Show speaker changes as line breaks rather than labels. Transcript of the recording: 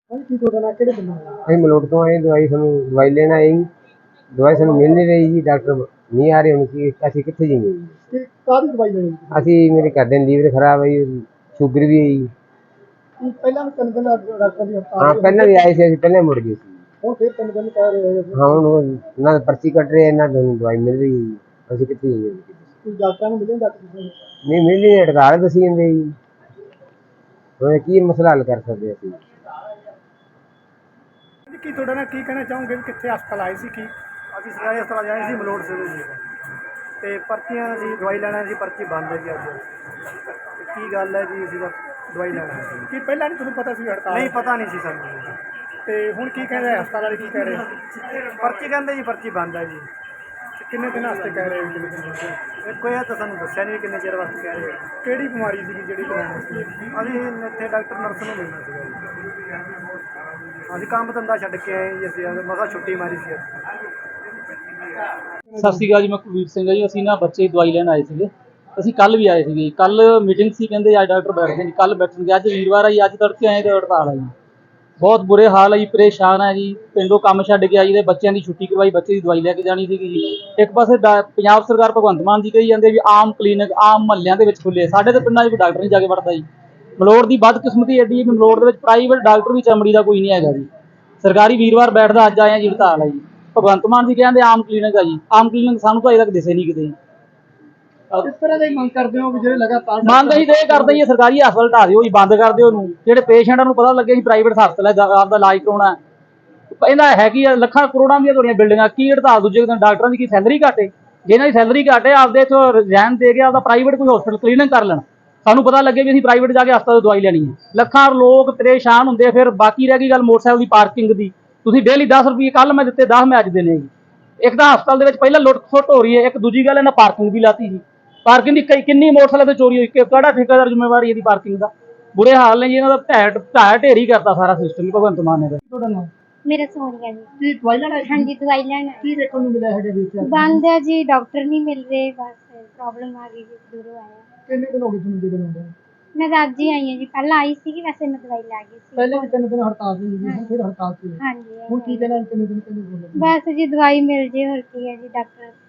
ਕੀ ਤੁਹਾਡਾ ਨਾਂ ਕਿਹੜੇ ਪਿੰਡ ਦਾ?
ਅਸੀਂ ਮਲੋਟ ਤੋਂ ਆਏ ਦਵਾਈ ਦਵਾਈ ਲੈਣ ਆਏ ਜੀ। ਦਵਾਈ ਸਾਨੂੰ ਮਿਲ ਨਹੀਂ ਰਹੀ ਜੀ, ਡਾਕਟਰ ਨਹੀਂ ਆ ਰਹੇ। ਹੁਣ ਕੀ ਅਸੀਂ ਕਿੱਥੇ ਜਾਈਏ ਜੀ?
ਤੇ ਕਾਹਦੀ ਦਵਾਈ ਲੈਣੀ ਸੀ?
ਅਸੀਂ ਮੇਰੇ ਘਰ ਦੇ ਲੀਵਰ ਖਰਾਬ ਹੈ ਜੀ, ਸ਼ੂਗਰ ਵੀ ਹੈ ਜੀ।
ਪਹਿਲਾਂ ਵੀ 3 ਦਿਨ ਡਾਕਟਰ ਦੀ ਹੜਤਾਲ
ਹਾਂ ਪਹਿਲਾਂ ਵੀ ਆਏ ਸੀ, ਅਸੀਂ ਪਹਿਲਾਂ ਮੁੜ ਗਏ ਸੀ।
ਹੁਣ ਫਿਰ 3 ਦਿਨ ਕਹਿ ਰਹੇ ਹੋ।
ਹਾਂ ਹੁਣ ਨਾ ਪਰਚੀ ਕੱਟ ਰਹੇ, ਨਾ ਦਵਾਈ ਮਿਲ ਰਹੀ ਜੀ। ਅਸੀਂ ਕਿੱਥੇ ਜਾਈਏ?
ਕੋਈ ਡਾਕਟਰਾਂ ਨੂੰ ਮਿਲੇ ਡਾਕਟਰ ਨੂੰ?
ਨਹੀਂ ਮਿਲ ਨਹੀਂ, ਹੜਤਾਲ ਦੱਸੀ ਜਾਂਦੇ ਜੀ। ਹੁਣ ਕੀ ਮਸਲਾ ਹੱਲ ਕਰ ਸਕਦੇ ਅਸੀਂ?
ਕੀ ਤੁਹਾਡਾ ਨਾਲ ਕੀ ਕਹਿਣਾ ਚਾਹੋਗੇ ਵੀ ਕਿੱਥੇ ਹਸਪਤਾਲ ਆਏ ਸੀ? ਕੀ
ਅਸੀਂ ਸਰਕਾਰੀ ਹਸਪਤਾਲ ਆਏ ਸੀ ਮਲੋਟ ਸਿਵਲ ਜੀ ਤੇ ਪਰਚੀਆਂ ਸੀ ਦਵਾਈ ਲੈਣਾ ਸੀ, ਪਰਚੀ ਬੰਦ ਹੈ ਜੀ ਅੱਜ। ਕੀ ਗੱਲ ਹੈ ਜੀ? ਅਸੀਂ ਤਾਂ ਦਵਾਈ ਲੈਣਾ ਸੀ।
ਕੀ ਪਹਿਲਾਂ ਨਹੀਂ ਤੁਹਾਨੂੰ ਪਤਾ ਸੀ ਹੜਤਾਲ?
ਨਹੀਂ ਪਤਾ ਨਹੀਂ ਸੀ ਸਾਨੂੰ।
ਤੇ ਹੁਣ ਕੀ ਕਹਿੰਦੇ ਹਸਪਤਾਲ ਵਾਲੇ? ਕੀ ਕਹਿ ਰਹੇ?
ਪਰਚੀ ਕਹਿੰਦੇ ਜੀ ਪਰਚੀ ਬੰਦ ਹੈ ਜੀ।
ਕਿੰਨੇ ਦਿਨ ਵਾਸਤੇ ਕਹਿ ਰਹੇ ਹੋ?
ਕੋਈ ਇਹ ਤਾਂ ਸਾਨੂੰ ਦੱਸਿਆ ਨਹੀਂ ਕਿੰਨੇ ਚਿਰ ਵਾਸਤੇ ਕਹਿ ਰਹੇ।
ਕਿਹੜੀ ਬਿਮਾਰੀ ਸੀ ਜਿਹੜੀ ਕਰਾਉਣੀ ਸੀ?
ਅਸੀਂ ਇੱਥੇ ਡਾਕਟਰ ਨਰਸ ਨੂੰ ਮਿਲਣਾ ਸੀਗਾ ਜੀ। ਅਸੀਂ ਕੰਮ ਧੰਦਾ ਛੱਡ ਕੇ ਆਏ ਜੀ, ਅਸੀਂ ਮਸਾਂ ਛੁੱਟੀ ਮਾਰੀ ਸੀ।
ਸਤਿ ਸ਼੍ਰੀ ਅਕਾਲ ਜੀ, ਮੈਂ ਕੁਲਵੀਰ ਸਿੰਘ ਹਾਂ ਜੀ। ਅਸੀਂ ਨਾ ਬੱਚੇ ਦੀ ਦਵਾਈ ਲੈਣ ਆਏ ਸੀਗੇ। ਅਸੀਂ ਕੱਲ੍ਹ ਵੀ ਆਏ ਸੀਗੇ। ਕੱਲ੍ਹ ਮੀਟਿੰਗ ਸੀ, ਕਹਿੰਦੇ ਅੱਜ ਡਾਕਟਰ ਬੈਠਦੇ ਜੀ, ਕੱਲ੍ਹ ਬੈਠਣਗੇ। ਅੱਜ ਵੀਰਵਾਰ ਆ ਜੀ, ਅੱਜ ਤੜਕੇ ਆਏ ਤੇ ਹੜਤਾਲ ਆ ਜੀ। ਬਹੁਤ ਬੁਰੇ ਹਾਲ ਹੈ ਜੀ, ਪਰੇਸ਼ਾਨ ਹੈ ਜੀ। ਪਿੰਡੋਂ ਕੰਮ ਛੱਡ ਕੇ ਆਈ ਦੇ, ਬੱਚਿਆਂ ਦੀ ਛੁੱਟੀ ਕਰਵਾਈ, ਬੱਚੇ ਦੀ ਦਵਾਈ ਲੈ ਕੇ ਜਾਣੀ ਸੀਗੀ ਜੀ। ਇੱਕ ਪਾਸੇ ਪੰਜਾਬ ਸਰਕਾਰ ਭਗਵੰਤ ਮਾਨ ਜੀ ਕਹੀ ਜਾਂਦੇ ਵੀ ਆਮ ਕਲੀਨਿਕ ਆਮ ਮਹੱਲਿਆਂ ਦੇ ਵਿੱਚ ਖੁੱਲੇ, ਸਾਡੇ ਤਾਂ ਪਿੰਡਾਂ 'ਚ ਕੋਈ ਡਾਕਟਰ ਨਹੀਂ ਜਾ ਕੇ ਵੜਦਾ ਜੀ। ਮਲੋਟ ਦੀ ਬਦਕਿਸਮਤੀ ਐਡੀ ਹੈ ਕਿ ਮਲੋਟ ਦੇ ਵਿੱਚ ਪ੍ਰਾਈਵੇਟ ਡਾਕਟਰ ਵੀ ਚਮੜੀ ਦਾ ਕੋਈ ਨਹੀਂ ਹੈਗਾ ਜੀ। ਸਰਕਾਰੀ ਵੀਰਵਾਰ ਬੈਠਦਾ, ਅੱਜ ਆਏ ਆ ਜੀ, ਹੜਤਾਲ ਹੈ ਜੀ। ਭਗਵੰਤ ਮਾਨ ਜੀ ਕਹਿੰਦੇ ਆਮ ਕਲੀਨਿਕ ਆ ਜੀ। ਆਮ ਕਲੀਨਿਕ ਸਾਨੂੰ ਤਾਂ ਅਜੇ ਤੱਕ ਦਿਸੇ ਨਹੀਂ ਕਿਤੇ।
ਕਿਸ ਤਰ੍ਹਾਂ ਦੀ ਮੰਗ ਕਰਦੇ ਹੋ ਵੀ ਜਿਹੜੇ ਲਗਾਤਾਰ
ਮੰਗ ਅਸੀਂ ਤਾਂ ਇਹ ਕਰਦੇ ਜੀ, ਸਰਕਾਰੀ ਹਸਪਤਾਲ ਢਾਹ ਦਿਓ ਜੀ, ਬੰਦ ਕਰ ਦਿਓ ਉਹਨੂੰ। ਜਿਹੜੇ ਪੇਸ਼ੈਂਟਾਂ ਨੂੰ ਪਤਾ ਲੱਗੇ ਜੀ ਪ੍ਰਾਈਵੇਟ ਹਸਪਤਾਲ ਹੈ, ਆਪਦਾ ਇਲਾਜ ਕਰਾਉਣਾ। ਇਹਦਾ ਹੈਗੀ ਆ ਲੱਖਾਂ ਕਰੋੜਾਂ ਦੀਆਂ ਤੁਹਾਡੀਆਂ ਬਿਲਡਿੰਗਾਂ, ਕੀ ਹੜਤਾਲ? ਦੂਜੇ ਦਿਨ ਡਾਕਟਰਾਂ ਦੀ ਕੀ ਸੈਲਰੀ ਘੱਟੇ? ਜਿਹਨਾਂ ਦੀ ਸੈਲਰੀ ਘੱਟੇ ਆਪਦੇ ਇੱਥੋਂ ਰਿਜ਼ਾਈਨ ਦੇ ਕੇ ਆਪਦਾ ਪ੍ਰਾਈਵੇਟ ਕੋਈ ਹਸਪਤਾਲ ਕਲੀਨਿਕ ਕਰ ਲੈਣ। ਸਾਨੂੰ ਪਤਾ ਲੱਗੇ ਵੀ ਅਸੀਂ ਪ੍ਰਾਈਵੇਟ ਜਾ ਕੇ ਹਸਪਤਾਲ ਤੋਂ ਦਵਾਈ ਲੈਣੀ ਹੈ। ਲੱਖਾਂ ਲੋਕ ਪਰੇਸ਼ਾਨ ਹੁੰਦੇ। ਫਿਰ ਬਾਕੀ ਰਹਿ ਗਈ ਗੱਲ ਮੋਟਰਸਾਈਕਲ ਦੀ ਪਾਰਕਿੰਗ ਦੀ। ਤੁਸੀਂ ਡੇਲੀ 10 ਰੁਪਏ ਕੱਲ੍ਹ ਮੈਂ ਦਿੱਤੇ, 10 ਮੈਂ ਅੱਜ ਦੇਣੇ ਜੀ। ਇੱਕ ਤਾਂ ਹਸਪਤਾਲ ਦੇ ਵਿੱਚ ਪਹਿਲਾਂ ਲੁੱਟ ਖੁੱਟ ਹੋ ਰਹੀ ਹੈ, ਇੱਕ ਦੂਜੀ ਗੱਲ ਇਹਨਾਂ ਪਾਰਕਿੰਗ ਵੀ ਲਾਤੀ ਜੀ। ਪਾਰਕਿੰਗ ਦੀ ਕਿੰਨੀ ਮੋਟਰਸਾਈਕਲ ਤੇ ਚੋਰੀ ਹੋਈ, ਕਿਹੜਾ ਠੇਕੇਦਾਰ ਜ਼ਿੰਮੇਵਾਰੀ ਇਹਦੀ ਪਾਰਕਿੰਗ ਦਾ? ਬੁਰੇ ਹਾਲ ਨੇ ਜੀ ਇਹਨਾਂ ਦਾ। ਢਾਹ ਢੇਰੀ ਕਰਤਾ ਸਾਰਾ ਸਿਸਟਮ ਭਗਵੰਤ ਮਾਨ ਨੇ।
ਤੁਹਾਡਾ ਨਾਮ?
मेरा सोनिया जी।
ਕੀ ਦਵਾਈ ਲੈਣਾ?
हाँ जी दवाई लेना
ਕੀ ਦੇਖਣ ਨੂੰ ਮਿਲਿਆ ਹੈਗਾ ਵਿੱਚ?
बंद है जी, डॉक्टर नहीं मिल रहे, बस प्रॉब्लम आ गई जी, दूरों आया।
ਕਿੰਨੇ ਦਿਨ ਹੋ ਗਏ ਤੁਹਾਨੂੰ ਜਿਹੜੇ ਹੁੰਦੇ?
मैं तो अज ही आई हूँ जी, पहले आई सी वैसे मैं दवाई लै गई सी।
ਪਹਿਲੇ ਵੀ 3 ਦਿਨ ਹੜਤਾਲ ਸੀ ਜੀ, ਫਿਰ ਹੜਤਾਲ ਸੀ।
हाँ जी
ਹੁਣ ਕੀ ਕਹਿਣਾ 3 ਦਿਨ ਕਹਿੰਦੇ ਬੋਲੋ?
बस जी दवाई मिल जे, होर की है जी, डॉक्टर